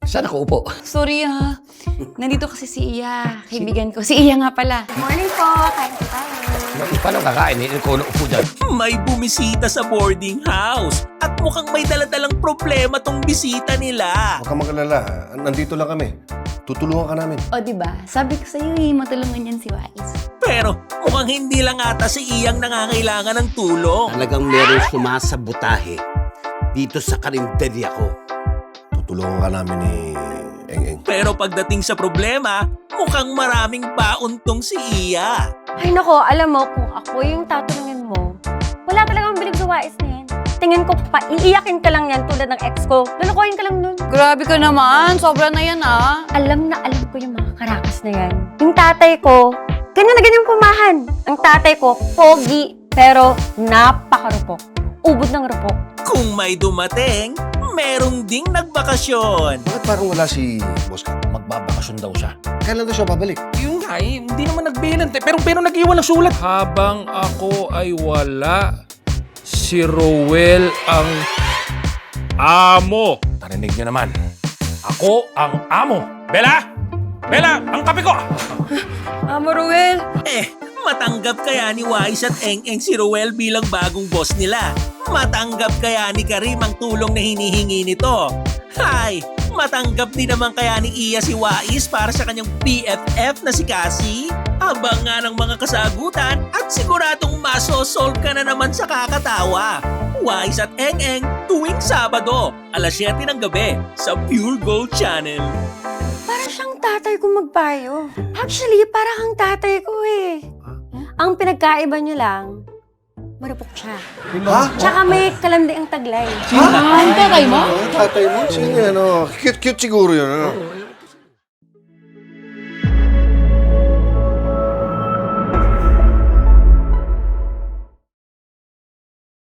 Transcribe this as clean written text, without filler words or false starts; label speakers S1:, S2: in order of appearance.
S1: Saan ako upo?
S2: Sorry ha. Nandito kasi si Iya. Kaibigan ko. Si Iya nga pala.
S3: Morning po, kain po tayo.
S1: Paano kakain? Hindi ko upo dyan.
S4: May bumisita sa boarding house at mukhang may daladalang problema tong bisita nila.
S5: Huwag kang mag-alala. Nandito lang kami. Tutulungan ka namin.
S2: O diba? Sabi ko sa'yo matulungan yan si Wais.
S4: Pero mukhang hindi lang ata si Iyang nangangailangan ng tulong.
S6: Talagang meron sumasabotahe dito sa karinderya ko.
S5: Tutulungan ka namin ni Eng-Eng.
S4: Pero pagdating sa problema, mukhang maraming baon tong si Iya.
S3: Ay nako, alam mo, kung ako yung tatanungin mo, wala talagang bilig sa wais na yan. Tingin ko pa, iiyakin ka lang yan tulad ng ex ko. Lulukoyin ka lang nun.
S2: Grabe ka naman. Sobra na yan ah.
S3: Alam na alam ko yung mga karakas na yan. Yung tatay ko, ganyan na ganyan pumahan. Ang tatay ko, pogi, pero napakarupok. Ubod ng rupok.
S4: Kung may dumating, merong ding nagbakasyon.
S5: Bakit parang wala si Boss Kat?
S1: Magbabakasyon daw siya.
S5: Kailan daw siya babalik?
S7: Yung nga eh, hindi naman nagbilan pero nag-iwan ng sulat.
S8: Habang ako ay wala, si Rowel ang amo.
S7: Narinig nyo naman. Ako ang amo. Bella! Bella, ang kape ko!
S2: Amo Ruel.
S4: Matanggap kaya ni Wais at Eng-Eng si Roel bilang bagong boss nila? Matanggap kaya ni Karim ang tulong na hinihingi nito? Hay! Matanggap din naman kaya ni Iya si Wais para sa kanyang BFF na si Cassie? Abang nga ng mga kasagutan at siguradong masosolve ka na naman sa kakatawa. Wais at Eng-Eng tuwing Sabado, alas 7 ng gabi sa Pure Gold Channel.
S3: Para siyang tatay ko magpayo. Actually, para kang tatay ko eh. Ang pinagkaiba niyo lang, marupok siya.
S5: Ha?
S3: Tsaka may kalamdi ang taglay.
S2: Ang tatay mo?
S5: Tatay mo? Sige, ano? Cute siguro yun, ano?